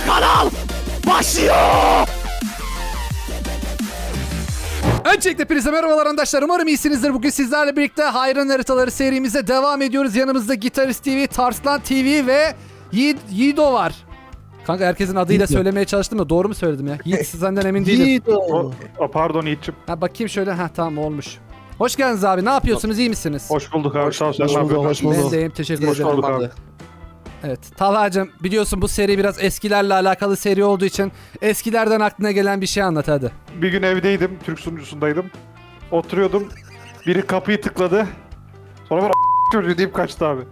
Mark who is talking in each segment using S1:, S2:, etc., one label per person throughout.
S1: kanal başlıyor. Öncelikle hepinize merhabalar arkadaşlar. Umarım iyisinizdir. Bugün sizlerle birlikte Hayran Haritaları serimize devam ediyoruz. Yanımızda Gitarist TV, Tarslan TV ve Yiğido var. Kanka herkesin adıyla
S2: Yiğido.
S1: söylemeye çalıştım da doğru mu söyledim ya? Yiğit senden emin değilim.
S2: Yiğido.
S3: Pardon Yiğit'cim.
S1: Ha bakayım şöyle. Ha tamam olmuş. Hoş geldiniz abi. Ne yapıyorsunuz? İyi misiniz?
S3: Hoş bulduk abi. Sağ ol. Sen
S2: Hoş
S3: ne
S2: bulduk,
S3: yapıyorsun?
S2: hoş bulduk.
S1: Ben deyim. Teşekkür
S3: Hoş
S1: ederim.
S3: bulduk abi.
S1: Evet. Talha'cığım biliyorsun bu seri biraz eskilerle alakalı seri olduğu için eskilerden aklına gelen bir şey anlat hadi.
S3: Bir gün evdeydim. Türk sunucusundaydım. Oturuyordum. Biri kapıyı tıkladı. Sonra ben çocuğu deyip kaçtı abi.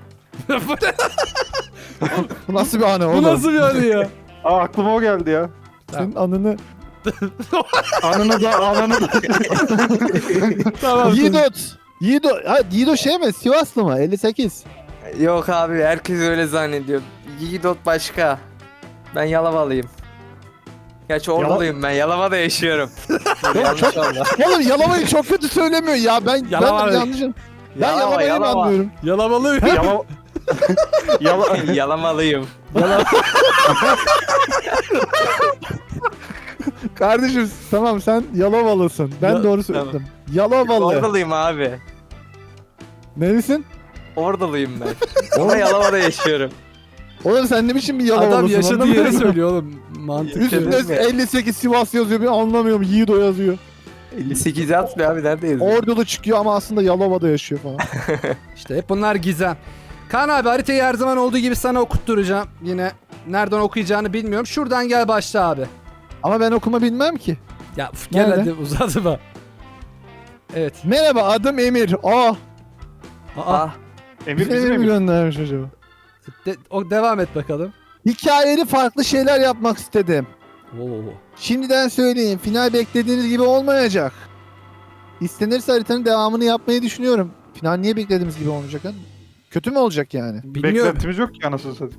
S2: Bu nasıl bir anı
S1: Bu
S2: oğlum?
S1: nasıl bir anı ya?
S3: Aklıma o geldi ya.
S2: Senin anını...
S3: Ananı da.
S1: Tamam.
S2: Yiğido şey mi? Sivaslı mı? 58.
S4: Yok abi herkes öyle zannediyor. Yiğidot başka. Ben Yalavalıyım. Gerçi Orduluyum ben. Yalova'da yaşıyorum. Yanlış oldu.
S2: Oğlum Yalova'yı çok kötü söylemiyor ya. Ben
S1: Yalova.
S2: yanlışım. Ben
S4: Yalova,
S2: Yalova'yı mı
S4: Yalova.
S2: anlıyorum?
S1: Yalamalı.
S4: Yalamalıyım.
S2: Kardeşim tamam sen Yalovalısın. Ben
S1: Ya-
S2: doğru söyledim. Yalovalı.
S4: Orduluyum abi.
S2: Nerisin?
S4: Orduluyum ben. Ama Yalova'da yaşıyorum.
S2: Oğlum sen ne biçim bir Yalovalısın?
S1: Adam yaşadığı
S2: anlamıyorum.
S1: yeri söylüyor oğlum. Mantıklı.
S2: Üstünde 58 Sivas yazıyor. Ben anlamıyorum. Yiğido yazıyor.
S4: 58'e atmıyor abi neredeyiz?
S2: Ordulu çıkıyor ama aslında Yalova'da yaşıyor falan.
S1: İşte hep bunlar gizem. Kaan abi haritayı her zaman olduğu gibi sana okutturacağım. Yine nereden okuyacağını bilmiyorum. Şuradan gel başla abi.
S2: Ama ben okuma bilmem ki.
S1: Ya gel
S2: Nerede?
S1: hadi uzatma. Evet.
S2: Merhaba adım Emir.
S1: Aa,
S4: Ah,
S3: Emir
S2: Bize
S3: bizim
S2: mi
S3: Emir.
S2: göndermiş acaba?
S1: devam et bakalım.
S2: Hikayeli farklı şeyler yapmak istedim.
S1: Oo.
S2: Şimdiden söyleyeyim, final beklediğiniz gibi olmayacak. İstenirse haritanın devamını yapmayı düşünüyorum. Final niye beklediğimiz gibi olmayacak ha? Kötü mü olacak yani?
S1: Bilmiyorum.
S3: Beklentimiz yok ki anasını satayım.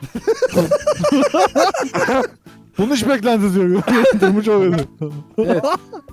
S2: Bunun hiç beklentisi yok. Durmuş oluyordu.
S1: Evet.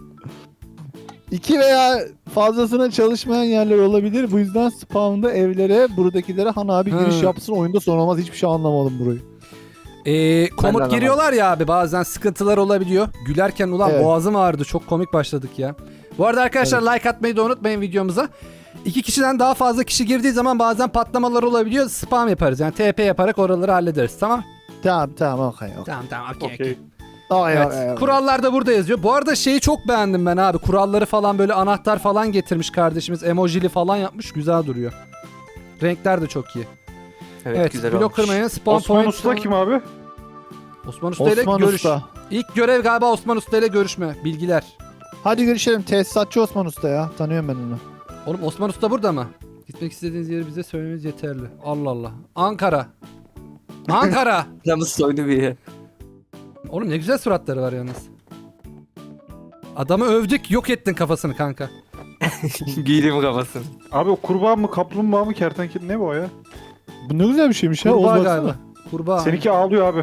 S2: 2 veya fazlasına çalışmayan yerler olabilir. Bu yüzden spawn'da evlere, buradakilere Han abi giriş
S1: Hı.
S2: yapsın. Oyunda son olmaz. Hiçbir şey anlamadım burayı.
S1: Komut
S4: anlamadım.
S1: giriyorlar ya abi bazen sıkıntılar olabiliyor. Gülerken ulan
S2: Evet.
S1: boğazım ağrıdı. Çok komik başladık ya. Bu arada arkadaşlar like atmayı da unutmayın videomuza. 2 kişiden daha fazla kişi girdiği zaman bazen patlamalar olabiliyor. Spam yaparız yani TP yaparak oraları hallederiz tamam?
S2: Tamam okey.
S1: Tamam okey.
S3: Okey.
S1: Evet. Kurallar da burada yazıyor. Bu arada şeyi çok beğendim ben abi. Kuralları falan böyle anahtar falan getirmiş kardeşimiz. Emojili falan yapmış. Güzel duruyor. Renkler de çok iyi.
S4: evet, güzel
S1: blok
S4: olmuş.
S1: kırmayın. Spawn
S3: Osman
S1: point.
S3: Usta kim abi?
S1: Osman Usta ile
S2: Osman
S1: görüş.
S2: Usta.
S1: İlk görev galiba Osman Usta ile görüşme. Bilgiler.
S2: Hadi görüşelim. Tesisatçı Osman Usta ya. Tanıyorum ben onu.
S1: Oğlum Osman Usta burada mı? Gitmek istediğiniz yeri bize söylemeniz yeterli. Allah Allah. Ankara. Ankara.
S4: Canı soydu bir yer.
S1: Oğlum ne güzel suratları var yalnız. Adamı övdük, yok ettin kafasını kanka.
S4: Giydim kafasını.
S3: Abi o kurbağa mı kaplumbağa mı kertenkele ne bu o ya?
S2: Bu ne güzel bir şeymiş ya.
S1: Kurbağa
S2: Oğuz
S1: galiba.
S2: baksana.
S1: Kurbağa.
S3: Seninki ağlıyor abi.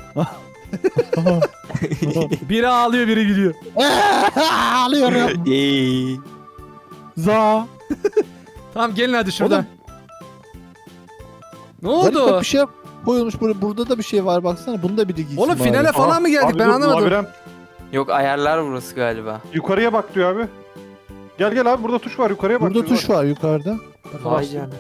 S1: Biri ağlıyor, biri gülüyor.
S2: Ağlıyorum.
S4: Yeee.
S2: Za.
S1: Tamam gelin hadi şuradan. Ne
S2: Garip bak
S1: oldu?
S2: bir şey koyulmuş burada da bir şey var baksana. Bunu da biri giysin.
S1: Oğlum
S2: bari.
S1: finale falan mı geldik?
S3: Abi
S1: Ben
S3: dur,
S1: anlamadım.
S3: labirent.
S4: Yok ayarlar burası galiba.
S3: Yukarıya bak diyor abi. Gel abi burada tuş var yukarıya bak.
S2: Burada
S3: diyor.
S2: tuş var yukarıda.
S4: Vay canına.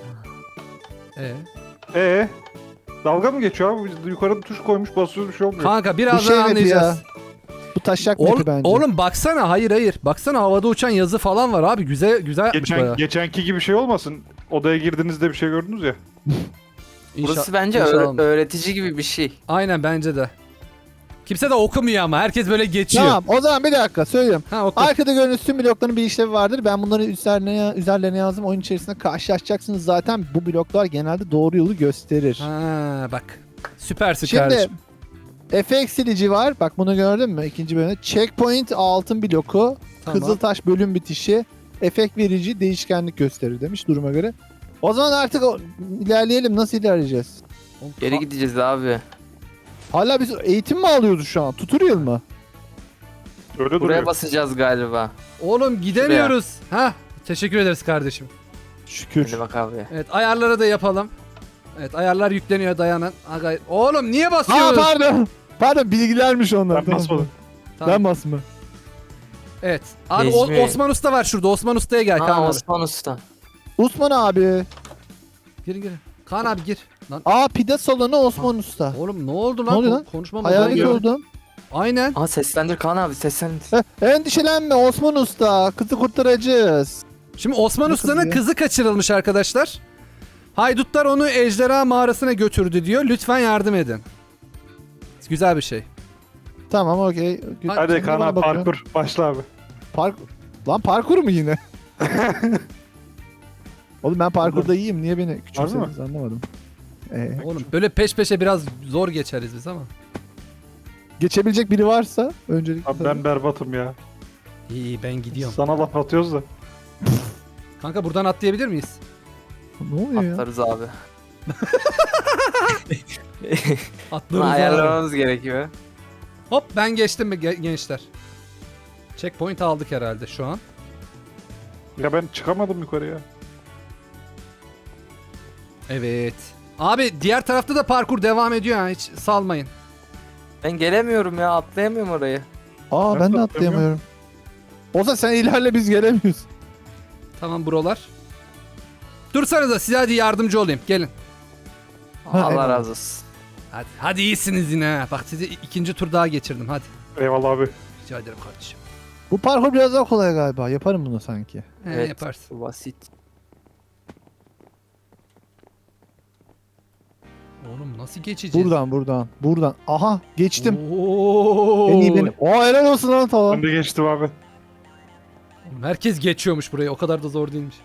S3: Dalga mı geçiyor abi? Biz yukarıda tuş koymuş basıyoruz bir şey olmuyor.
S1: Kanka
S2: Bu
S1: birazdan
S2: şey mapi
S1: anlayacağız.
S2: Bu taşak
S1: Oğlum,
S2: mapi bence.
S1: oğlum baksana, hayır. Baksana havada uçan yazı falan var abi. Güzel yapmış bayağı.
S3: Geçenki gibi şey olmasın. Odaya girdiğinizde bir şey gördünüz ya.
S4: Burası bence
S1: İnşallah.
S4: öğretici gibi bir şey.
S1: Aynen bence de. Kimse de okumuyor ama herkes böyle geçiyor.
S2: Tamam o zaman bir dakika söylüyorum.
S1: Ha oku.
S2: Arkada gördüğünüz tüm blokların bir işlevi vardır. Ben bunları üzerlerine yazdım. Oyun içerisinde karşılaşacaksınız zaten. Bu bloklar genelde doğru yolu gösterir.
S1: Ha bak. Süpersin
S2: Şimdi
S1: kardeşim.
S2: efekt silici var. Bak bunu gördün mü? İkinci bölümde. Checkpoint altın bloku.
S1: Tamam.
S2: Kızıltaş bölüm bitişi. Efekt verici değişkenlik gösterir demiş duruma göre. O zaman artık ilerleyelim. Nasıl ilerleyeceğiz?
S4: Geri gideceğiz abi.
S2: Hala biz eğitim mi alıyoruz şu an? Tutorial mı?
S3: Öyle
S4: Buraya
S3: duruyor.
S4: basacağız galiba.
S1: Oğlum gidemiyoruz. Ha teşekkür ederiz kardeşim.
S2: Şükür.
S4: Hadi bak abi.
S1: Evet ayarları da yapalım. Evet ayarlar yükleniyor dayanın. Aga, oğlum niye
S2: Aa
S1: basıyoruz?
S2: pardon. Pardon bilgilermiş onlar.
S3: Ben
S2: Tamam.
S3: basmadım.
S1: Tamam.
S2: Ben basma.
S1: Evet. Abi
S4: Necmi.
S1: Osman Usta var şurada. Osman Usta'ya gel Kaan
S4: Ha
S1: abi.
S4: Osman Usta.
S2: Osman abi.
S1: Gir. Kaan abi gir. Lan
S2: Aa pide salonu Osman Usta.
S1: oğlum ne oldu
S2: Ne
S1: lan?
S2: oluyor lan?
S1: Konuşma
S2: Hayalet
S1: modu oluyor.
S2: oldum.
S1: Aynen.
S4: Aa seslendir Kaan abi seslendir.
S2: Endişelenme Osman Usta. Kızı kurtaracağız.
S1: Şimdi Osman
S2: Ne
S1: Usta'nın
S2: kızı ya?
S1: kızı kaçırılmış arkadaşlar. Haydutlar onu ejderha mağarasına götürdü diyor. Lütfen yardım edin. Güzel bir şey.
S2: Tamam okey.
S3: Hadi
S2: Şimdi
S3: Kaan
S2: bana
S3: abi
S2: bakıyorum.
S3: parkur. Başla abi.
S2: Lan parkur mu yine? Oğlum ben parkurda iyiyim. Niye beni küçümsediniz anlamadım.
S1: Oğlum böyle peş peşe biraz zor geçeriz biz ama.
S2: Geçebilecek biri varsa öncelikle.
S3: Abi ben berbatım ya.
S1: İyi ben gidiyorum.
S3: Sana laf atıyoruz da.
S1: Kanka buradan atlayabilir miyiz?
S2: Ne oluyor ya?
S4: Atlarız abi. Bunu
S1: Atlıyoruz abi.
S4: ayarlamamız gerekiyor.
S1: Hop ben geçtim mi gençler? Checkpoint aldık herhalde şu an.
S3: Ya ben çıkamadım yukarıya.
S1: Evet. Abi diğer tarafta da parkur devam ediyor ha, hiç salmayın.
S4: Ben gelemiyorum ya atlayamıyorum orayı.
S2: Aa
S3: Ben
S2: ben
S3: de
S2: de atlayamıyorum. Olsa sen ilerle biz gelemiyoruz.
S1: Tamam buralar. Dursanıza size hadi yardımcı olayım. Gelin.
S2: Ha,
S4: Allah
S2: eyvallah.
S4: razı olsun.
S1: Hadi iyisiniz yine ha. Bak sizi ikinci tur daha geçirdim hadi.
S3: Eyvallah abi.
S1: Rica ederim kardeşim.
S2: Bu parkur biraz daha kolay galiba. Yaparım bunu sanki.
S1: He, yaparsın.
S4: Bu basit.
S1: Oğlum nasıl geçeceğiz?
S2: Buradan. Aha geçtim.
S1: Oo.
S2: En iyi benim. Aa helal olsun lan
S3: Ben
S2: tamam.
S3: de geçtim abi.
S1: Oğlum, herkes geçiyormuş burayı. O kadar da zor değilmiş.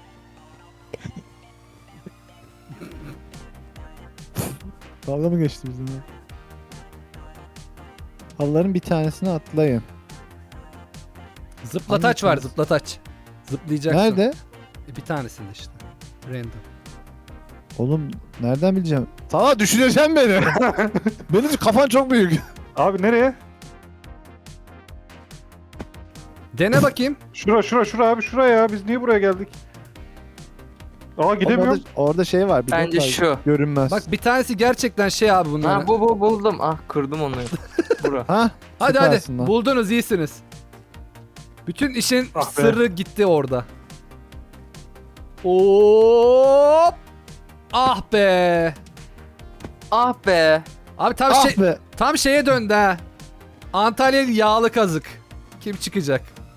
S2: Dalga mı geçti bizim ya? Halıların bir tanesini atlayın.
S1: Zıplataç var
S2: Hangi
S1: zıplataç. Zıplayacaksın.
S2: Nerede?
S1: Bir tanesinde işte. Random.
S2: Oğlum nereden bileceğim? Sana düşüneceğim beni. Benim kafan çok büyük.
S3: Abi nereye?
S1: Dene bakayım.
S3: Şura abi şuraya ya. Biz niye buraya geldik? Aa gidemiyorum.
S2: Orada şey var. Bir
S4: Bence
S2: not var.
S4: şu.
S2: Görünmez.
S1: Bak bir tanesi gerçekten şey abi bunlar.
S4: Ha bu buldum. Ah kırdım onu. Bura.
S2: Ha?
S1: Hadi
S2: süpersin
S1: hadi.
S2: lan.
S1: Buldunuz iyisiniz. Bütün işin
S3: Ah be.
S1: sırrı gitti orada. Hop! Ah be.
S4: Ah be.
S1: Abi tam
S2: Ah be.
S1: tam şeye döndü ha. Antalyalı yağlı kazık. Kim çıkacak?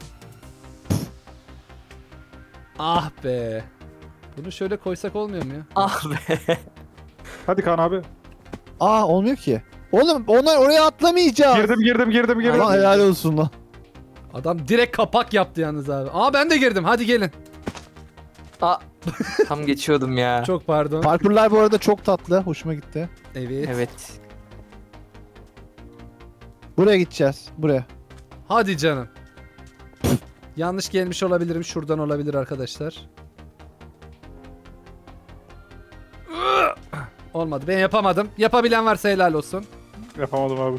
S1: Ah be. Bunu şöyle koysak olmuyor mu ya?
S4: Ah be.
S3: Hadi Kaan abi.
S2: Aa olmuyor ki. Oğlum onlar oraya atlamayacağız.
S3: Girdim.
S2: Lan helal olsun lan.
S1: Adam direkt kapak yaptı yalnız abi. Aa ben de girdim. Hadi gelin.
S4: Ah. Tam geçiyordum ya.
S1: Çok pardon.
S2: Parkurlar bu arada çok tatlı. Hoşuma gitti.
S1: Evet.
S4: Evet.
S2: Buraya gideceğiz. Buraya.
S1: Hadi canım. Yanlış gelmiş olabilirim. Şuradan olabilir arkadaşlar. Olmadı. Ben yapamadım. Yapabilen varsa helal olsun.
S3: Yapamadım abi.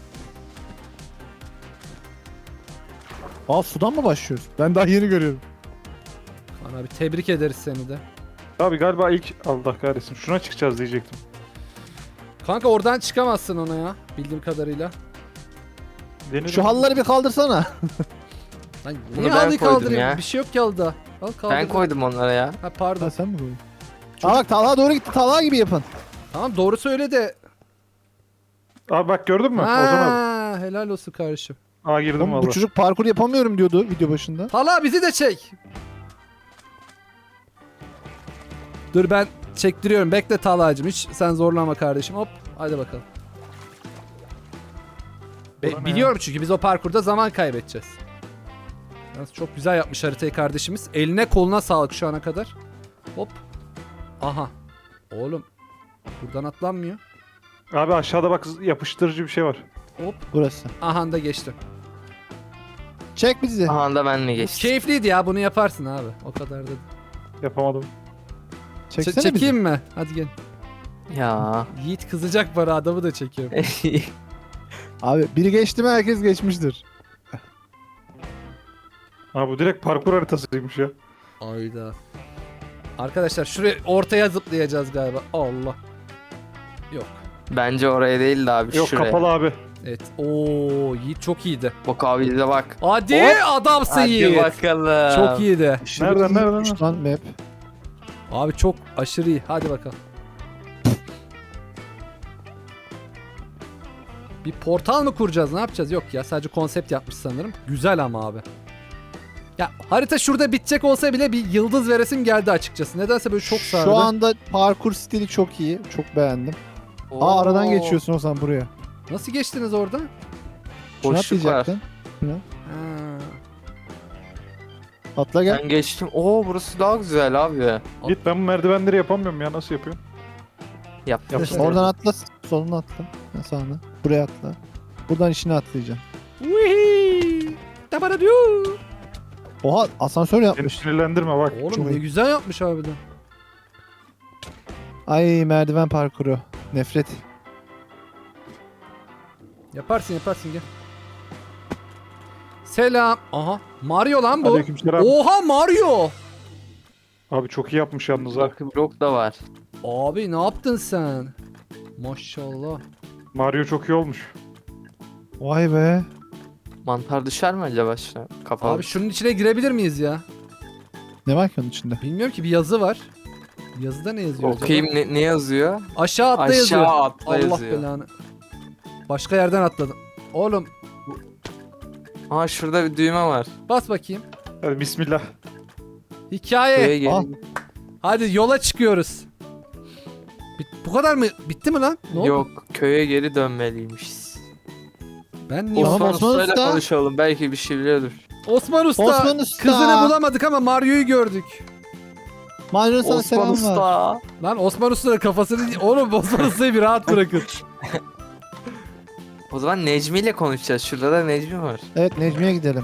S2: Aa sudan mı başlıyoruz? Ben daha yeni görüyorum.
S1: Kaan abi tebrik ederiz seni de.
S3: Abi galiba ilk Allah kahretsin. Şuna çıkacağız diyecektim.
S1: Kanka oradan çıkamazsın ona ya. Bildiğim kadarıyla.
S3: Denedim.
S2: Şu halıları bir kaldırsana.
S1: Lan
S4: Bunu
S1: niye
S4: ben
S1: halıyı
S4: koydum
S1: kaldırayım?
S4: ya.
S1: Bir şey yok ki halıda. Al kaldır.
S4: Ben koydum onlara ya.
S1: Ha pardon.
S2: Ha sen mi koydun? Aa bak Talha doğru gitti. Talha gibi yapın.
S1: Tamam doğru söyle de.
S3: Abi bak gördün mü? Ozan abi.
S1: Ha, helal olsun kardeşim.
S3: Aa girdim
S2: Oğlum, bu
S3: valla.
S2: çocuk parkur yapamıyorum diyordu video başında.
S1: Tala bizi de çek. Dur ben çektiriyorum. Bekle Talha'cığım. Hiç sen zorlama kardeşim. Hop. Hadi bakalım.
S3: Bana ne
S1: Biliyorum çünkü biz o parkurda zaman kaybedeceğiz. Yalnız çok güzel yapmış haritayı kardeşimiz. Eline koluna sağlık şu ana kadar. Hop. Aha. Oğlum. Buradan atlanmıyor.
S3: Abi aşağıda bak yapıştırıcı bir şey var.
S1: Hop.
S2: Burası.
S1: Aha da geçtim.
S2: Çek bizi.
S4: Aha da benle geçtim.
S1: Keyifliydi ya. Bunu yaparsın abi. O kadar da.
S3: Yapamadım.
S2: Çeksene bizi.
S1: Çekeyim mi? Hadi gel.
S4: Ya.
S1: Yiğit kızacak bana, adamı da çekiyorum.
S2: Abi biri geçti mi herkes geçmiştir.
S3: Abi bu direkt parkur haritasıymış ya.
S1: Ayda. Arkadaşlar şuraya ortaya zıplayacağız galiba. Allah. Yok.
S4: Bence oraya değil de abi
S3: Yok
S4: şuraya.
S3: kapalı abi.
S1: Evet. Oo, Yiğit çok iyiydi.
S4: Bak abi de bak.
S1: Hadi
S4: Hop.
S1: adamsın
S4: Hadi
S1: Yiğit.
S4: bakalım.
S1: Çok iyiydi.
S3: Nereden, nereden?
S2: Şu lan map.
S1: Abi çok aşırı iyi. Hadi bakalım. Bir portal mı kuracağız? Ne yapacağız? Yok ya, sadece konsept yapmış sanırım. Güzel ama abi. Ya harita şurada bitecek olsa bile bir yıldız veresim geldi açıkçası. Nedense böyle çok sardı.
S2: Şu anda parkur stili çok iyi. Çok beğendim. Aa aradan
S4: Oo.
S2: geçiyorsun o zaman buraya.
S1: Nasıl geçtiniz orada?
S2: Şuna
S4: Boşluk var.
S2: atlayacaktın.
S1: Ha.
S2: Atla gel.
S4: Ben geçtim. Oo burası daha güzel abi.
S3: Git, ben bu merdivenleri yapamıyorum ya, nasıl yapıyorsun?
S4: Yaptım.
S3: Yapsın.
S2: Oradan atla. Soluna atla. Ha, sağına. Buraya atla. Buradan içine atlayacaksın.
S1: Uhiii. Tabara diyor.
S2: Oha asansör
S3: Beni
S2: yapmış.
S3: sinirlendirme bak.
S1: Oğlum
S2: Çok
S1: ne
S2: iyi.
S1: güzel yapmış harbiden.
S2: Ay merdiven parkuru. Nefret.
S1: Yaparsın yaparsın gel. Selam. Aha. Mario lan bu.
S3: Aleykümselam.
S1: Oha Mario.
S3: Abi çok iyi yapmış yalnız ha.
S4: Bak blok da var.
S1: Abi ne yaptın sen? Maşallah.
S3: Mario çok iyi olmuş.
S2: Vay be.
S4: Mantar düşer mi acaba şuna? Kapalı.
S1: Abi şunun içine girebilir miyiz ya?
S2: Ne var ki onun içinde?
S1: Bilmiyorum ki, bir yazı var. Yazıda ne yazıyor acaba?
S4: Okuyayım ne yazıyor?
S1: Aşağı atla
S4: Aşağı
S1: yazıyor.
S4: atla
S1: Allah
S4: yazıyor.
S1: belanı. Başka yerden atladım. Oğlum
S4: Aa şurada bir düğme var.
S1: bas bakayım.
S3: Hadi bismillah.
S1: Hikaye.
S4: Köye
S2: Al.
S4: gelin.
S1: Hadi yola çıkıyoruz. Bu kadar mı? Bitti mi lan? Ne oldu?
S4: Yok köye geri dönmeliymişiz.
S1: Ben niye?
S2: Tamam,
S4: Osman
S2: Osman
S4: Usta'yla
S2: Usta.
S4: konuşalım. Belki bir şey biliyordur.
S1: Osman Usta.
S2: Osman Usta.
S1: Kızını bulamadık ama Mario'yu gördük.
S2: Mario sana
S4: Osman
S2: selam var.
S4: Usta.
S1: Lan Osman Usta'nın kafasını... Oğlum Osman Usta'yı bir rahat bırakın.
S4: O zaman Necmi ile konuşacağız. Şurada da Necmi var.
S2: Evet Necmi'ye gidelim.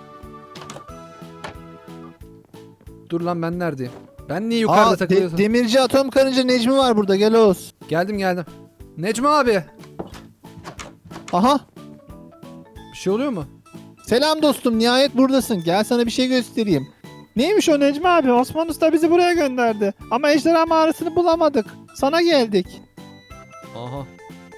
S1: Dur lan, ben neredeyim? Ben niye yukarıda
S2: Aa,
S1: takılıyorsun?
S2: demirci atom karınca Necmi var burada. Gel Oğuz.
S1: Geldim. Necmi abi.
S2: Aha.
S1: Bir şey oluyor mu?
S2: Selam dostum. Nihayet buradasın. Gel sana bir şey göstereyim. Neymiş o Necmi abi? Osman Usta bizi buraya gönderdi. Ama ejderha mağarasını bulamadık. Sana geldik.
S1: Aha.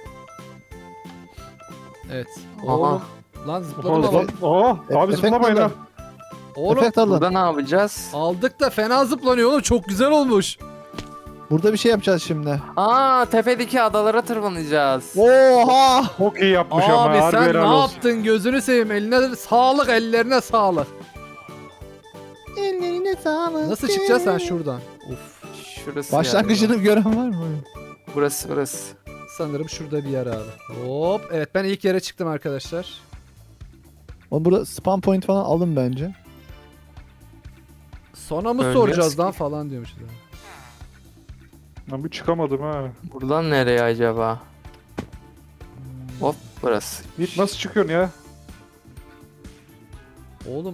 S1: Evet.
S4: Aha.
S1: Oğlum. Lan zıpladım
S3: Oha,
S1: ama.
S3: abi
S2: Efekt
S3: zıplamayın ha.
S2: alın.
S1: Oğlum
S2: Efekt alın.
S4: Burada ne yapacağız?
S1: aldık da fena zıplanıyor oğlum. Çok güzel olmuş.
S2: Burada bir şey yapacağız şimdi.
S4: Aa tepedeki adalara tırmanacağız.
S2: Oha!
S3: Çok iyi yapmış ama
S1: Abi
S3: harbi
S1: sen
S3: helal
S1: ne
S3: olsun.
S1: yaptın? Gözünü seveyim. Eline sağlık, ellerine sağlık.
S2: Ellerine sağlık.
S1: Nasıl çıkacağız sen şuradan? Uf.
S4: Şurası
S2: Başlangıcını
S4: galiba.
S2: gören var mı?
S4: Burası.
S1: Sanırım şurada bir yer abi. Hop. Evet, ben ilk yere çıktım arkadaşlar.
S2: Oğlum burada spam point falan alın bence.
S1: Sonra mı
S4: Ölmüyoruz
S1: soracağız
S4: ki.
S1: lan falan diyormuş.
S3: Ben bir çıkamadım ha.
S4: Buradan nereye acaba? Hop burası.
S3: Git, nasıl çıkıyorsun ya?
S1: Oğlum.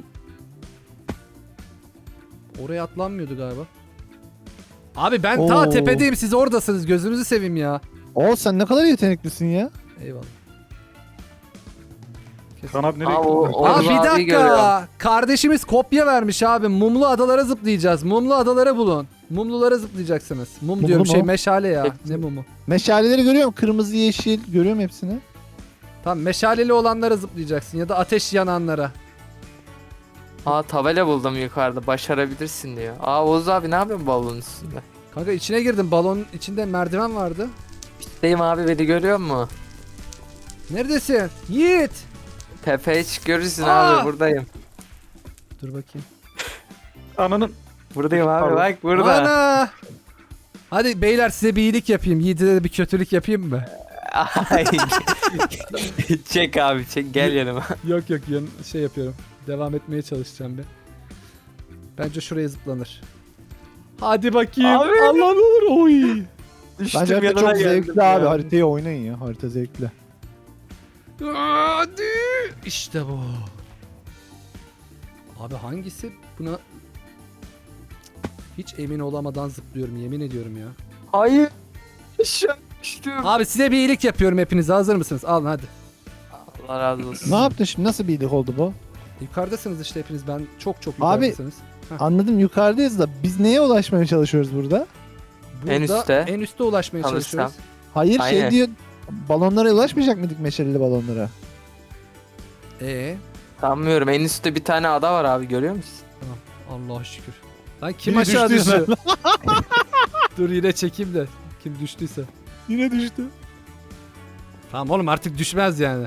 S1: Oraya atlanmıyordu galiba. Abi ben ta
S2: Oo.
S1: tepedeyim, siz oradasınız, gözünüzü seveyim ya.
S2: Oo sen ne kadar yeteneklisin ya.
S1: Eyvallah. Kesin.
S3: Kaan abi nereye
S4: Aa,
S3: gittin?
S4: o-
S1: Aa,
S4: Oğuz
S1: bir
S4: abi
S1: dakika.
S4: görüyorum.
S1: Kardeşimiz kopya vermiş abi. Mumlu adalara zıplayacağız. Mumlu adalara bulun. Mumlulara zıplayacaksınız.
S2: Mumlu
S1: Diyorum
S2: mu?
S1: meşale ya.
S4: Hepsi.
S1: Ne mumu?
S2: Meşaleleri görüyorum. Kırmızı, yeşil. Görüyorum hepsini.
S1: Tamam, meşaleli olanlara zıplayacaksın ya da ateş yananlara.
S4: Aa tabela buldum yukarıda. Başarabilirsin diyor. Aa Oğuz abi ne yapıyorsun balonun üstünde?
S1: Kanka içine girdim. Balonun içinde merdiven vardı.
S4: Deyim abi beni görüyor mu?
S1: Neredesin? Yiğit.
S4: Tepeye çık görürsün
S1: Aa!
S4: abi buradayım.
S1: Dur bakayım.
S3: Ananın.
S4: Buradayım abi
S3: Pardon.
S4: bak burada.
S1: Ana. Hadi beyler, size bir iyilik yapayım. Yiğit'e de bir kötülük yapayım mı?
S4: Ay. Çek abi çek gel yanıma.
S1: Yok şey yapıyorum. Devam etmeye çalışacağım bir. Bence şuraya zıplanır. Hadi bakayım.
S4: Abi.
S1: Allah ne olur. Oy.
S4: Düştüm
S2: Bence harita
S4: yanına
S2: çok
S4: geldim
S2: zevkli
S4: ya.
S2: abi. Haritayı oynayın ya. Harita zevkli.
S1: Hadi. İşte bu. Abi hangisi buna... Hiç emin olamadan zıplıyorum, yemin ediyorum ya.
S4: Hayır. Düştüm.
S1: Abi size bir iyilik yapıyorum, hepiniz hazır mısınız? Alın hadi.
S4: Allah razı olsun.
S2: Ne yaptın şimdi? Nasıl bir iyilik oldu bu?
S1: Yukarıdasınız işte hepiniz, ben çok
S2: Abi,
S1: yukarıdasınız.
S2: Anladım yukarıdayız da biz neye ulaşmaya çalışıyoruz burada?
S1: Burada
S4: en üstte.
S1: En üste ulaşmaya
S4: Tanırsam.
S1: çalışıyoruz.
S2: Hayır
S4: Aynen.
S2: şey diyor. Balonlara ulaşmayacak mıydık, meşaleli balonlara?
S4: Sanmıyorum. En üstte bir tane ada var abi, görüyor musun?
S1: Allah'a şükür. Lan kim
S2: Biri
S1: aşağı
S2: düştüyse.
S1: düştü? Dur yine çekeyim de. Kim düştüyse.
S2: Yine düştü.
S1: Tamam oğlum artık düşmez yani.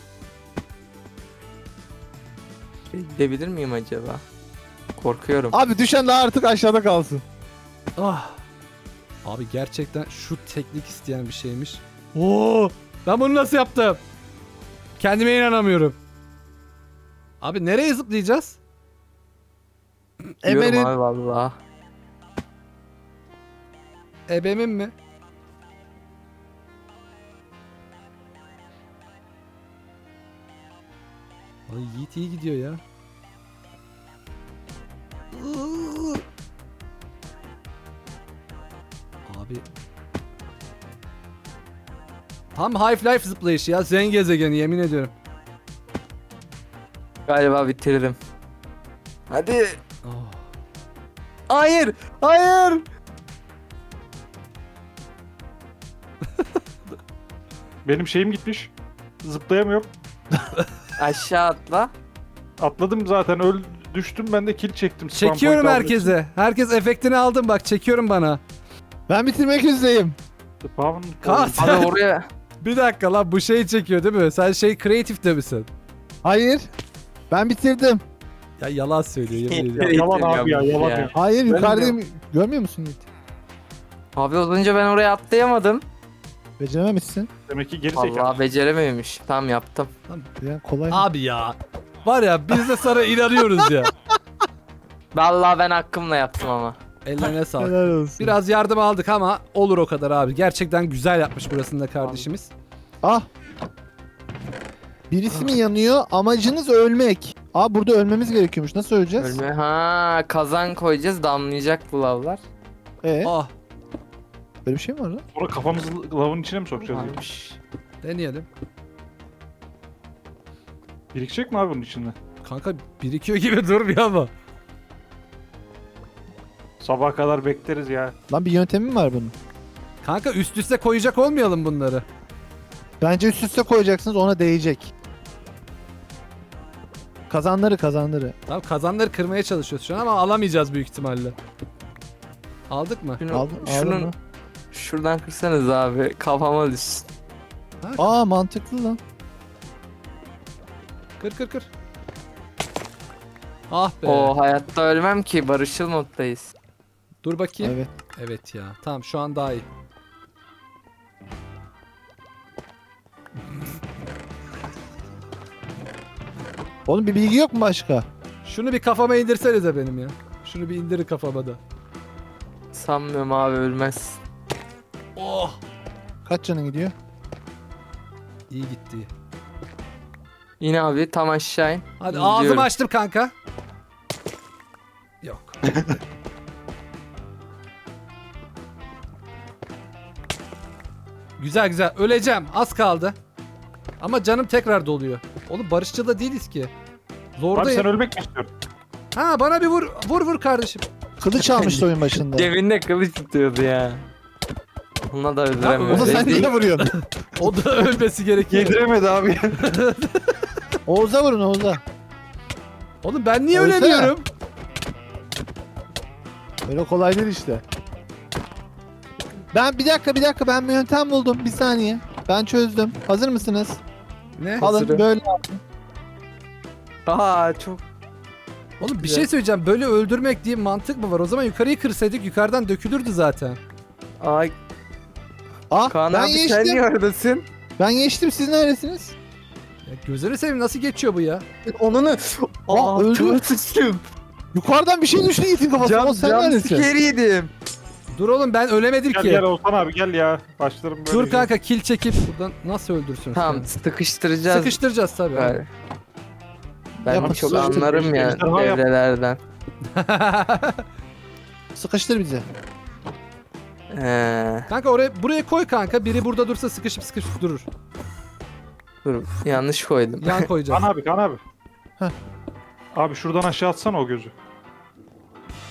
S4: Gidebilir miyim acaba? Korkuyorum.
S2: Abi düşen daha artık aşağıda kalsın.
S1: Ah. Abi gerçekten şu teknik isteyen bir şeymiş. Oo! Ben bunu nasıl yaptım? Kendime inanamıyorum. Abi nereye zıplayacağız?
S4: Diyorum
S2: Emel'in
S4: abi valla.
S1: Ebemin mi? Ay Yiğit iyi gidiyor ya. Abi. Tam Half-Life zıplayışı ya. Zen gezegeni yemin ediyorum.
S4: Galiba bitiririm. Hadi.
S1: Oh.
S4: Hayır. Hayır.
S3: Benim şeyim gitmiş. Zıplayamıyorum.
S4: Aşağı atla.
S3: Atladım zaten, düştüm, ben de kill çektim. Spam
S1: Çekiyorum
S3: point almak için.
S1: herkese. Herkes efektini aldım bak çekiyorum bana.
S2: ben bitirmek üzereyim.
S3: Spam
S1: Kas.
S3: point.
S4: Abi oraya.
S1: Bir dakika lan bu şey çekiyor değil mi? Sen şey kreatifte misin?
S2: Hayır. Ben bitirdim.
S1: Ya yalan söylüyor yemin ediyorum.
S3: Yalan abi ya, yalan ya.
S2: Hayır,
S4: Ben
S2: yukarıdayım. Görmüyor musun Yiğit?
S4: Abi az önce ben oraya atlayamadım.
S2: Becerememişsin.
S3: Demek ki geri zekalı.
S4: Vallahi becerememiş. Tamam yaptım.
S2: Yani kolay mı?
S1: Abi ya. Var ya biz de sana inanıyoruz ya.
S4: Vallahi ben hakkımla yaptım ama.
S1: Ellerine sağlık.
S2: Helal olsun.
S1: Biraz yardım aldık ama olur o kadar abi. Gerçekten güzel yapmış burasında kardeşimiz.
S2: Ah. Birisi mi yanıyor? Amacınız ölmek. Aa, burada ölmemiz gerekiyormuş. Nasıl öleceğiz?
S4: Ölme. Ha, kazan koyacağız, damlayacak bu lavlar.
S1: Ah
S2: Böyle bir şey mi var lan?
S3: Sonra kafamızı lavın içine mi sokacağız? ya?
S4: Varmış.
S1: deneyelim.
S3: Birikecek mi abi bunun içinde?
S1: Kanka birikiyor gibi durmuyor ama.
S3: Sabaha kadar bekleriz ya.
S2: Lan bir yöntemi mi var bunun?
S1: Kanka üst üste koyacak olmayalım bunları.
S2: Bence üst üste koyacaksınız, ona değecek. Kazanları.
S1: Tamam kazanları kırmaya çalışıyoruz şu an ama alamayacağız büyük ihtimalle. Aldık mı?
S2: Aldın
S4: Şunun
S2: mı?
S4: şuradan kırsanız abi, kafama düşsün.
S2: Aa, mantıklı lan.
S1: Kır. Ah be.
S4: O hayatta ölmem ki, barışçıl moddayız.
S1: Dur bakayım.
S2: Evet.
S1: Evet ya. Tamam şu an daha iyi.
S2: Oğlum bir bilgi yok mu başka?
S1: Şunu bir kafama indirsenize benim ya. Şunu bir indirin kafama da.
S4: Sanmıyorum abi, ölmez.
S1: Oh.
S2: Kaç canın gidiyor?
S1: İyi gitti.
S4: Yine abi tam aşağı in.
S1: Hadi
S4: İndiriyorum.
S1: ağzımı açtım kanka. Yok. Güzel. Öleceğim. Az kaldı. Ama canım tekrar doluyor. Oğlum barışçıl da değiliz ki.
S3: Abi
S1: Zordayım.
S3: sen ölmek mi istiyorsun?
S1: Ha bana bir vur. Vur kardeşim.
S2: Kılıç almıştı oyun başında.
S4: Cebinde kılıç tutuyordu ya. Ona da
S2: O
S4: öldüremiyorum.
S2: da sen niye vuruyorsun?
S1: O da ölmesi gerekiyor.
S3: Yediremedi abi.
S2: Oğuz'a vurun, Oğuz'a.
S1: Oğlum ben niye
S2: Ölsene.
S1: ölemiyorum?
S2: Öyle kolay değil işte. Ben bir dakika ben bir yöntem buldum. Bir saniye. Ben çözdüm. Hazır mısınız?
S1: Ne?
S2: Alın
S4: Hazırım.
S2: böyle.
S4: Aa çok.
S1: Oğlum bir şey söyleyeceğim. Böyle öldürmek diye mantık mı var? O zaman yukarıyı kırsaydık yukarıdan dökülürdü zaten.
S4: Ay
S2: Ah,
S4: Kaan
S2: ben
S4: abi sen
S2: geçtim.
S4: niye oradasın?
S2: Ben geçtim. Siz neredesiniz?
S1: Ya gözünü seveyim nasıl geçiyor bu ya?
S4: Onunu.
S2: Aa, öldü.
S4: Çok sıçtım.
S2: Yukarıdan bir şey düştü Yiğit'in kafasına. O sen
S4: Cam
S2: neredesin?
S4: siker yedim.
S1: Dur oğlum ben ölemedim
S3: Gel
S1: ki.
S3: gel Oğuzhan abi gel ya. Başlarım böyle.
S1: Dur kanka kill çekip buradan nasıl öldürsün?
S4: Tamam, sıkıştıracağız.
S1: Sıkıştıracağız tabii.
S4: Galiba. Ben
S2: Yapın,
S4: çok
S2: sıkıştır.
S4: anlarım ya
S3: Ejderha yap.
S4: devrelerden.
S2: Sıkıştır bizi.
S1: Kanka buraya koy kanka. Biri burada dursa sıkışıp durur.
S4: Dur, yanlış koydum.
S1: Yan koyacağız.
S3: Kaan abi.
S2: Heh.
S3: Abi şuradan aşağı atsana o gözü.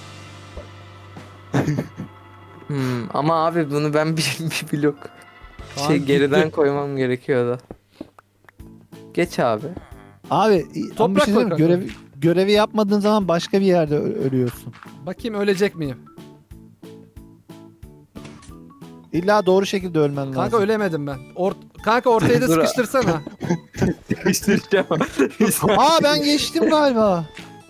S4: Ama abi bunu ben bir blok.
S1: Kaan
S4: Şey geriden
S1: gitti.
S4: koymam gerekiyordu. Geç abi.
S2: Abi ama bir
S1: Toprak
S2: şey
S1: koy
S2: söyleyeyim mi?
S1: kanka.
S2: Görevi yapmadığın zaman başka bir yerde ölüyorsun.
S1: Bakayım ölecek miyim?
S2: İlla doğru şekilde ölmen lazım.
S1: Kanka ölemedim ben. Kanka ortaya da
S4: Dur.
S1: sıkıştırsana.
S4: Değiştireceğim.
S2: Aa ben geçtim galiba.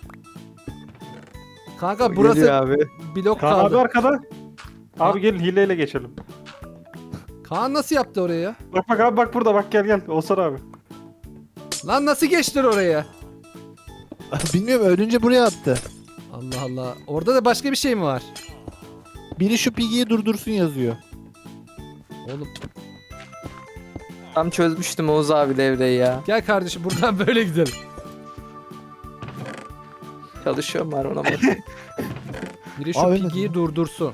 S1: Kanka burası
S4: Geliyor abi.
S1: blok
S3: Kaan abi
S1: kaldı.
S3: arkada. Abi gelin hileyle geçelim.
S1: Kaan nasıl yaptı oraya ya?
S3: Bak bak abi bak burada bak gel. Olsan abi.
S1: Lan nasıl geçtin oraya?
S2: Bilmiyorum ölünce buraya attı.
S1: Allah Allah. Orada da başka bir şey mi var?
S2: Biri şu Piggy'yi durdursun yazıyor.
S1: Oğlum
S4: Tam çözmüştüm Oğuz abi devreyi ya.
S1: gel kardeşim buradan böyle gidelim.
S4: Çalışıyorum var ona bak.
S1: Biri şu
S2: Abi,
S1: Piggy'yi durdursun.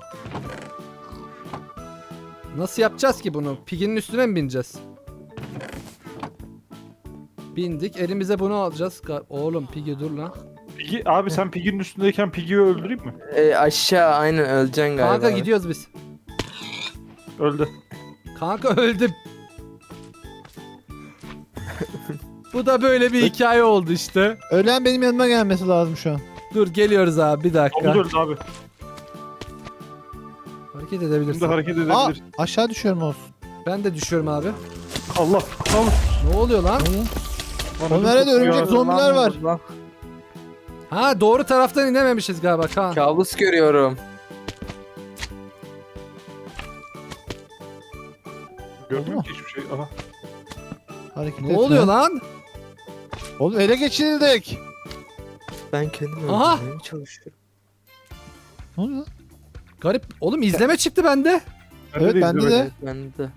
S1: Nasıl yapacağız ki bunu? Piggy'nin üstüne mi bineceğiz? Bindik. Elimize bunu alacağız. Oğlum Piggy dur lan.
S3: Piggy, abi sen Piggy'nin üstündeyken Piggy'yi öldüreyim mi?
S4: Aşağı aynen öleceksin galiba.
S1: Kanka
S4: abi.
S1: gidiyoruz biz.
S3: Öldü.
S1: Kanka öldüm. Bu da böyle bir hikaye oldu işte.
S2: Ölen benim yanıma gelmesi lazım şu an.
S1: Dur geliyoruz abi bir dakika.
S3: Domuz öldü abi.
S1: Hareket edebilirsin.
S3: Şimdi hareket
S2: Aa
S3: edebilir.
S2: aşağı düşüyorum olsun.
S1: Ben de düşüyorum abi.
S3: Allah. Allah.
S1: Ne oluyor lan?
S3: Bana
S2: Nerede
S3: çok
S2: örümcek
S3: ya.
S2: zombiler var.
S4: Lan,
S1: Ha doğru taraftan inememişiz galiba Kaan.
S4: kabus görüyorum.
S3: Görmüyorum ki hiçbir şey. Aha.
S2: Hareket
S1: Ne
S2: etme.
S1: oluyor lan?
S2: Oğlum ele geçirildik.
S4: Ben kendimi
S1: Aha!
S4: öldürmeye çalışıyorum.
S2: Ne oluyor lan?
S1: Garip. Oğlum izleme çıktı bende.
S2: Evet, bende
S3: izlemedim.
S2: de.
S4: Ben de.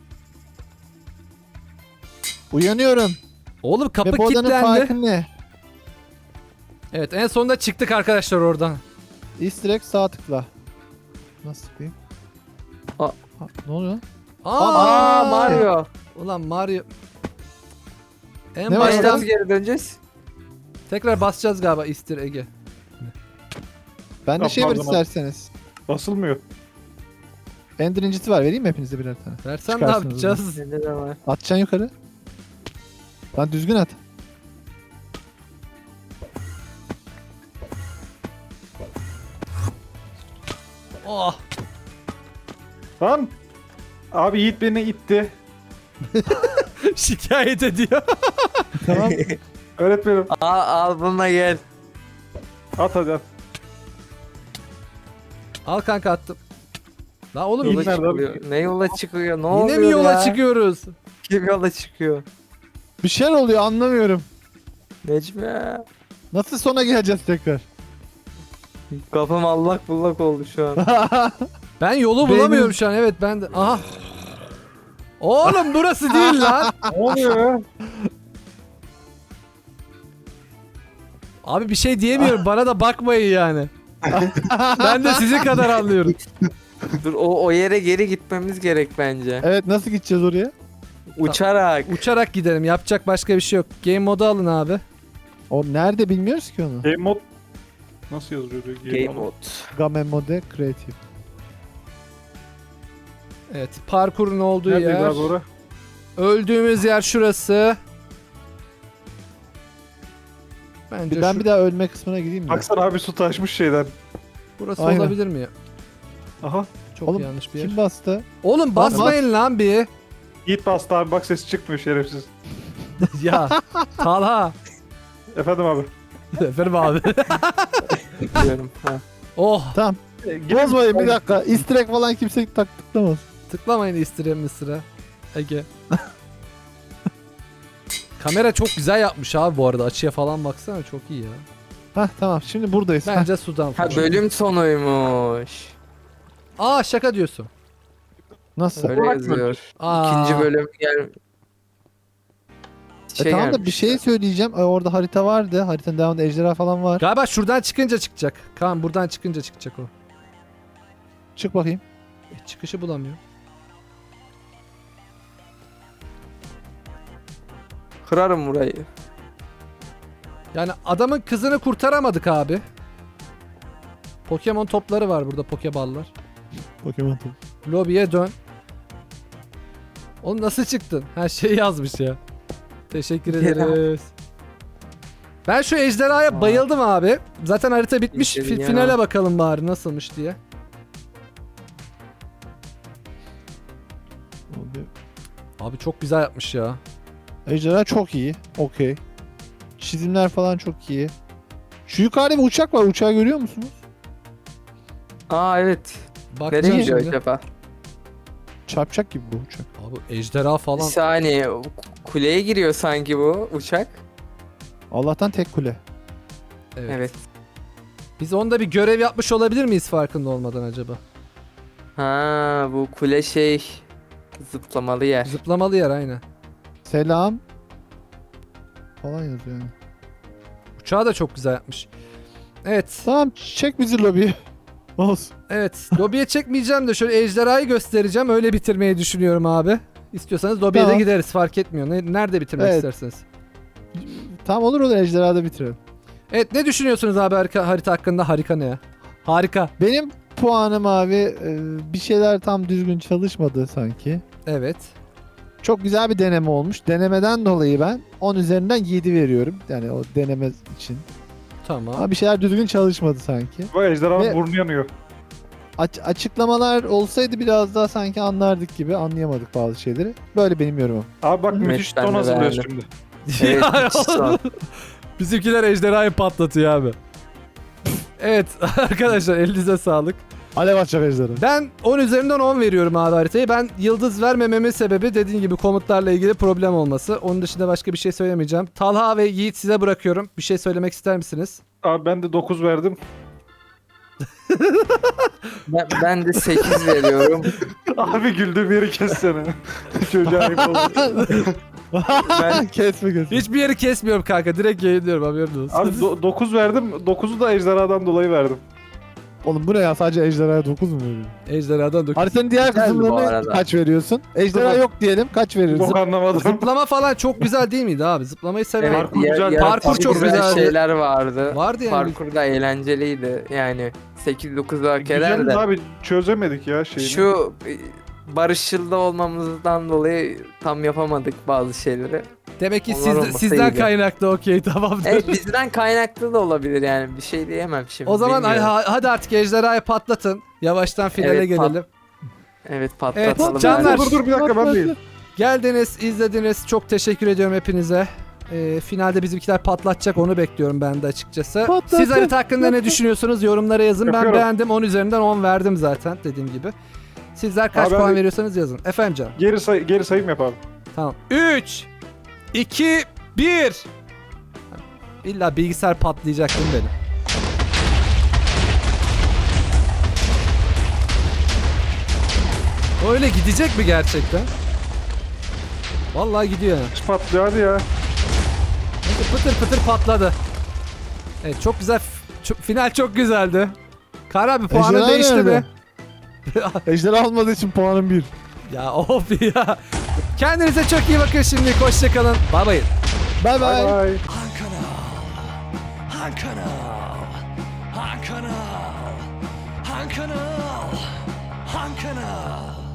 S2: Uyanıyorum.
S1: Oğlum kapı
S2: Ve bu odanın
S1: kilitlendi.
S2: farkı ne?
S1: Evet en sonunda çıktık arkadaşlar oradan.
S2: Easter egg sağ tıkla. Nasıl tıklayayım?
S4: Aa.
S2: Ha, ne oluyor lan?
S4: Aa Mario.
S1: Ulan Mario. En
S2: Ne var
S1: baştan
S4: Nasıl geri döneceğiz?
S1: tekrar basacağız galiba Easter Egg'e.
S2: Bende şey var
S3: Pardon,
S2: isterseniz.
S3: Basılmıyor.
S2: Ender incisi var. Vereyim mi hepinize birer tane?
S1: Versen ne
S2: Çıkarsınız
S1: yapacağız?
S4: Bende de var.
S2: Atacaksın yukarı. Lan düzgün at.
S1: Oh.
S3: Lan. Abi Yiğit beni itti.
S1: Şikayet ediyor.
S2: Tamam.
S3: Öğretmenim.
S4: Al bununla gel.
S3: At hadi at.
S1: Al kanka attım. La oğlum
S3: İyi
S4: Yola
S3: nerede abi?
S4: çıkıyor. Ne yola çıkıyor? Ne
S1: yine
S4: oluyor
S1: mi yola
S4: ya?
S1: çıkıyoruz?
S4: Kim yola çıkıyor?
S2: Bir şeyler oluyor anlamıyorum.
S4: Necmi.
S2: Nasıl sona geleceğiz tekrar?
S4: Kafam allak bullak oldu şu an.
S1: Ben yolu
S2: Benim-
S1: bulamıyorum şu an. Evet ben de. Aha. Oğlum burası değil lan.
S3: Ne oluyor ya?
S1: Abi bir şey diyemiyorum. Bana da bakmayın yani. Ben de sizin kadar anlıyorum.
S4: Dur o yere geri gitmemiz gerek bence.
S2: Evet nasıl gideceğiz oraya?
S4: Uçarak.
S1: Uçarak gidelim. Yapacak başka bir şey yok. Game modu alın abi.
S2: O nerede bilmiyoruz ki onu.
S3: Game mod nasıl yazılıyor?
S4: Game mode.
S2: Game Mode Creative.
S1: Evet. Parkurun olduğu
S3: Neredeydi
S1: yer.
S3: abi ora?
S1: Öldüğümüz yer şurası. Bence
S2: Ben
S1: şu,
S2: bir daha ölme kısmına gideyim mi?
S3: Baksana abi su taşmış şeyden.
S1: burası
S2: Aynen.
S1: olabilir mi ya?
S3: Aha.
S1: Çok
S2: Oğlum,
S1: yanlış bir yer.
S2: Kim bastı?
S1: Oğlum basmayın lan bir.
S3: Yiğit bastı abi bak ses çıkmıyor şerefsiz.
S1: Ya Talha.
S3: Efendim abi.
S1: Efendim abi.
S4: Diyorum. Ha.
S1: Oh.
S2: Tamam. Bozmayın bir dakika. Easter egg falan kimse tıklamaz.
S1: Tıklamayın istirem sıra. Ege. Kamera çok güzel yapmış abi bu arada. Açıya falan baksana çok iyi ya.
S2: Hah tamam şimdi buradayız. Hah.
S1: Bence sudan
S4: Ha
S1: falan.
S4: bölüm sonuymuş.
S1: Aa şaka diyorsun.
S2: Nasıl?
S4: Öyle yazıyor.
S1: Aa.
S4: İkinci bölüm gel.
S2: Tamam da
S4: gelmiş.
S2: bir şey söyleyeceğim. Orada harita vardı. Haritanın devamında ejderha falan var.
S1: Galiba şuradan çıkınca çıkacak. Kaan buradan çıkınca çıkacak o.
S2: Çık bakayım.
S1: Çıkışı bulamıyor.
S4: Kırarım burayı.
S1: Yani adamın kızını kurtaramadık abi. Pokemon topları var burada, pokeballar.
S2: Pokemon top.
S1: Lobiye dön. Oğlum nasıl çıktın? Her şey yazmış ya. Teşekkür ederiz. Ben şu ejderhaya bayıldım abi. Zaten harita bitmiş.
S4: İşte ya.
S1: Finale bakalım bari nasılmış diye. Abi çok güzel yapmış ya.
S2: Ejderha çok iyi. Okey. Çizimler falan çok iyi. Şu yukarıda bir uçak var. Uçağı görüyor musunuz?
S4: Aa evet.
S1: Bakacağım
S4: Nereye gidiyor
S1: şimdi.
S4: acaba?
S2: Çarpacak gibi bu uçak.
S1: Abi ejderha
S4: Bir
S1: falan.
S4: saniye. Kuleye giriyor sanki bu uçak.
S2: Allah'tan tek kule.
S1: Evet.
S4: Evet.
S1: Biz onda bir görev yapmış olabilir miyiz farkında olmadan acaba?
S4: Ha bu kule şey zıplamalı yer.
S1: Zıplamalı yer aynen.
S2: Selam. Falan yazıyor yani.
S1: Uçağı da çok güzel yapmış. Evet.
S2: Tamam çek bizi lobiye. Olsun.
S1: Evet. Lobiye çekmeyeceğim de şöyle ejderhayı göstereceğim. Öyle bitirmeyi düşünüyorum abi. İstiyorsanız lobiye de
S2: Tamam.
S1: gideriz fark etmiyor. Nerede bitirmek
S2: Evet.
S1: isterseniz.
S2: Tamam olur ejderhada bitirelim.
S1: Evet ne düşünüyorsunuz abi harita hakkında? Harika ne ya? Harika.
S2: Benim puanım abi bir şeyler tam düzgün çalışmadı sanki.
S1: Evet.
S2: Çok güzel bir deneme olmuş. Denemeden dolayı ben 10 üzerinden 7 veriyorum. Yani o deneme için.
S1: Tamam.
S2: Ama bir şeyler düzgün çalışmadı sanki.
S3: Bu ejderhanın
S2: Ve-
S3: burnu yanıyor.
S2: Açıklamalar olsaydı biraz daha sanki anlardık gibi anlayamadık bazı şeyleri. Böyle benim yorumum.
S3: Abi bak
S2: Evet,
S3: müthiş
S4: ben
S3: ton
S4: de
S3: hazırlıyoruz
S4: beğendim.
S3: şimdi.
S4: Evet.
S1: Ya,
S4: müthiş son.
S1: Bizimkiler ejderhayı patlatıyor abi. Evet arkadaşlar elinize sağlık.
S2: Alev açacak ejderha.
S1: Ben 10 üzerinden 10 veriyorum abi haritayı. Ben yıldız vermememin sebebi dediğim gibi komutlarla ilgili problem olması. Onun dışında başka bir şey söylemeyeceğim. Talha ve Yiğit size bırakıyorum. Bir şey söylemek ister misiniz?
S3: Abi ben de 9 verdim.
S4: Ben de 8 veriyorum.
S3: Abi güldüğüm yeri kessene. Çocuğa ayıp oldu.
S4: Ben
S2: Kesme kesme.
S1: Hiçbir yeri kesmiyorum kanka. Direkt yayınlıyorum haberin olsun.
S3: Abi 9 verdim. 9'u da ejderhadan dolayı verdim.
S2: Oğlum bu ne ya, sadece ejderhaya 9 mu veriyorsun?
S1: Ejderhadan 9.
S2: Haritanın diğer
S4: Güzeldi bu
S2: kısımlarına
S4: arada.
S2: kaç veriyorsun? Ejderha yok diyelim, kaç veriyorsun?
S3: Bok anlamadım.
S1: Zıplama falan çok güzel değil miydi abi? Zıplamayı severim.
S4: evet,
S3: Parkur güzel.
S1: Parkur çok güzel.
S4: şeyler vardı.
S1: Vardı yani.
S4: Parkur da eğlenceliydi. Yani 8-9 hak eder
S3: Güzel
S4: de.
S3: abi çözemedik ya şeyini.
S4: Şu barışçıl da olmamızdan dolayı tam yapamadık bazı şeyleri.
S1: Demek ki
S4: Onlar olmasa
S1: sizden
S4: iyiydi.
S1: kaynaklı okey tamamdır.
S4: Evet bizden kaynaklı da olabilir yani bir şey diyemem şimdi.
S1: O zaman
S4: bilmiyorum.
S1: hadi artık ejderhayı patlatın. Yavaştan finale
S4: Evet,
S1: gelelim.
S4: Evet patlatalım.
S1: Evet, canlar.
S3: Dur bir dakika ben değil.
S1: Geldiniz, izlediniz. Çok teşekkür ediyorum hepinize. Finalde bizimkiler patlatacak, onu bekliyorum ben de açıkçası.
S2: Patlatın,
S1: Siz harita hakkında ne düşünüyorsunuz? Yorumlara yazın. Ben
S3: Yapıyorum.
S1: beğendim. 10 üzerinden 10 verdim zaten dediğim gibi. Sizler kaç
S3: Abi
S1: puan
S3: abi-
S1: veriyorsanız yazın. Efendim canım.
S3: Geri sayım yap abi.
S1: Tamam. 3 2 1 İlla bilgisayar patlayacak değil mi benim? Öyle gidecek mi gerçekten? Vallahi gidiyor yani.
S3: Patlıyor hadi ya.
S1: Pıtır pıtır patladı. Evet çok güzel. Final çok güzeldi. Kar abi puanın
S2: Ejderha
S1: değişti mi?
S2: nerede? Ejderha olmadığı için puanım 1.
S1: Ya of ya. Kendinize çok iyi bakın şimdi. Hoşçakalın. Bay bay.
S2: Bye
S3: Bye
S2: bye.
S3: bye.
S5: Han kanal.